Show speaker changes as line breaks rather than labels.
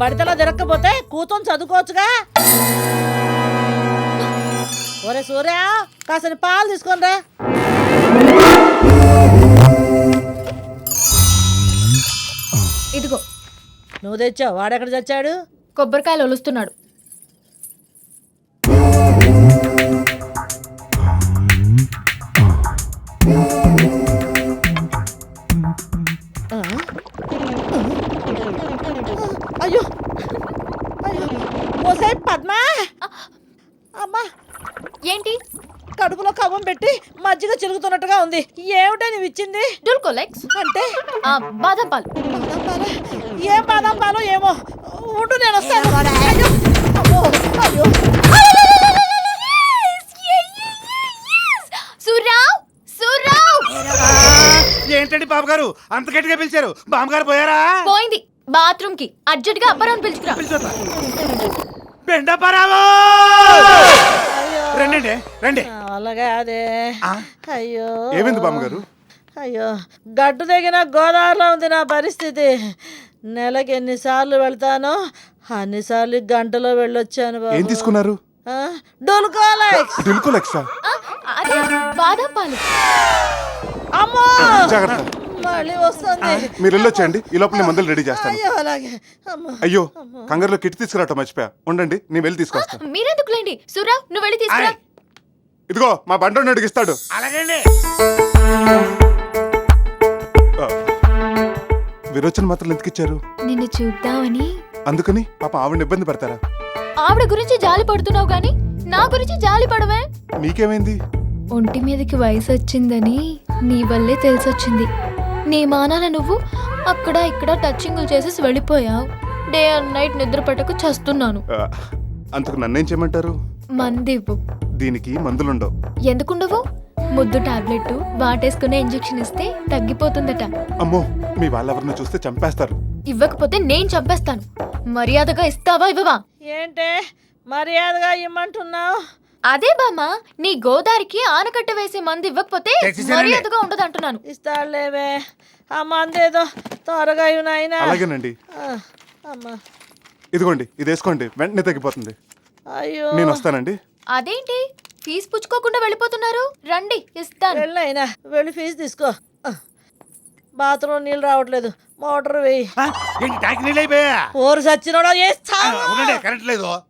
బడితలో తిరగకపోతే కూతుని చదువుకోవచ్చుగా. ఒరే సూర్య, కాసిన పాలు తీసుకొని రా.
ఇదిగో.
నువ్వు తెచ్చావు, వాడెక్కడ చచ్చాడు?
కొబ్బరికాయలు ఒలుస్తున్నాడు.
అయ్యో అయ్యో, ఓసే పద్మా, అమ్మా
ఏంటి?
కడుపులో కవ్వం పెట్టి మజ్జిగ చిలుగుతున్నట్టుగా ఉంది. ఏమిటో నువ్వు ఇచ్చింది?
డుల్కోలెక్స్
అంటే
బాదం పాలు.
బాదం పాలా? ఏం బాదం పాలు ఏమో. ఉండు, నేను వస్తాను. అయ్యో, అమ్మో, అయ్యో.
సూర్రావ్, సూర్రావ్!
ఏంటండి బాబు గారు అంత గట్టిగా పిలిచారు? బామ్మగారు పోయారా?
పోయింది బాత్రూమ్ కి. అర్జెంట్ గా అప్పారావుని పిలుచుకురా.
బెండపరావు! రండి రండి.
అలాగే అదే. అయ్యో,
ఏమైంది బామ్మగారు?
అయ్యో, గడ్డు తెగిన గోదావరిలో ఉంది నా పరిస్థితి. నెలకి ఎన్నిసార్లు వెళ్తానో అన్నిసార్లు గంటలో వెళ్ళొచ్చాను బాబు.
ఏం తీసుకున్నారు?
డోలుకోలెక్స్.
డుల్కోలెక్సా?
అదే బాదం పాలు.
అమ్మో,
జాగ్రత్త.
మళ్ళీ వస్తుంది.
మీరు వెళ్ళొచ్చండి, ఈ లోపల నేను మందులు రెడీ చేస్తాను.
అయ్యో, అలాగే. అమ్మో,
అయ్యో, కంగారులో కిట్ తీసుకురావటం మర్చిపోయా. ఉండండి, నేను వెళ్ళి తీసుకొస్తాను.
మీరెందుకులేండి సూర్రావ్, నువ్వు వెళ్ళి తీసుకురా.
ఇదిగో మా బండోడిని అడిగిస్తాడు. అలాగండి. విరోచన మాత్రం ఎందుకు ఇచ్చారు?
నిన్ను చూద్దామని.
అందుకని పాప ఆవిడని ఇబ్బంది పెడతారా?
ఆవిడ గురించి జాలి పడుతున్నావు గాని నా గురించి జాలి పడవే.
మీకేమైంది?
ఒంటి మీదకి వయసు వచ్చిందని నీ వల్లే తెలిసొచ్చింది. నీ మానాన నువ్వు అక్కడ ఇక్కడ టచింగులు చేసేసి వెళ్ళిపోయావు. డే అండ్ నైట్ నిద్ర పట్టకు చస్తున్నాను.
అందుకు నన్నేం చేయమంటారు?
మందివ్వు.
దీనికి మందులుండవు.
ఎందుకుండవు? ముద్దు టాబ్లెట్ వాటేసుకునే ఇంజెక్షన్ ఇస్తే తగ్గిపోతుందట.
అమ్మో, మీ వాళ్ళెవరిని చూస్తే చంపేస్తారు.
ఇవ్వకపోతే నేను చంపేస్తాను. మర్యాదగా ఇస్తావా ఇవ్వవా?
ఏంటే మర్యాదగా ఇమ్మంటున్నావు?
అదే బామ్మ, నీ గోదారికి ఆనకట్ట వేసే మంది ఇవ్వకపోతే మర్యాదగా ఉండదు అంటున్నాను.
ఇస్తాడులేవే, ఆ మందేదో త్వరగా నాయనా.
అలాగేనండి.
అమ్మా,
ఇదిగోండి, ఇది వేసుకోండి, వెంటనే తగ్గిపోతుంది.
అయ్యో,
నేను వస్తానండి.
అదేంటి ఫీజు పుచ్చుకోకుండా వెళ్ళిపోతున్నారు? రండి ఇస్తాను.
వెళ్ళైనా వెళ్ళి ఫీజు తీసుకో. బాత్రూమ్ నీళ్ళు రావట్లేదు, మోటార్ వేయి.
ఏంటి ట్యాంక్ నీళ్ళు అయిపోయా?
ఓరు సచ్చినోడా,
కరెంట్ లేదు.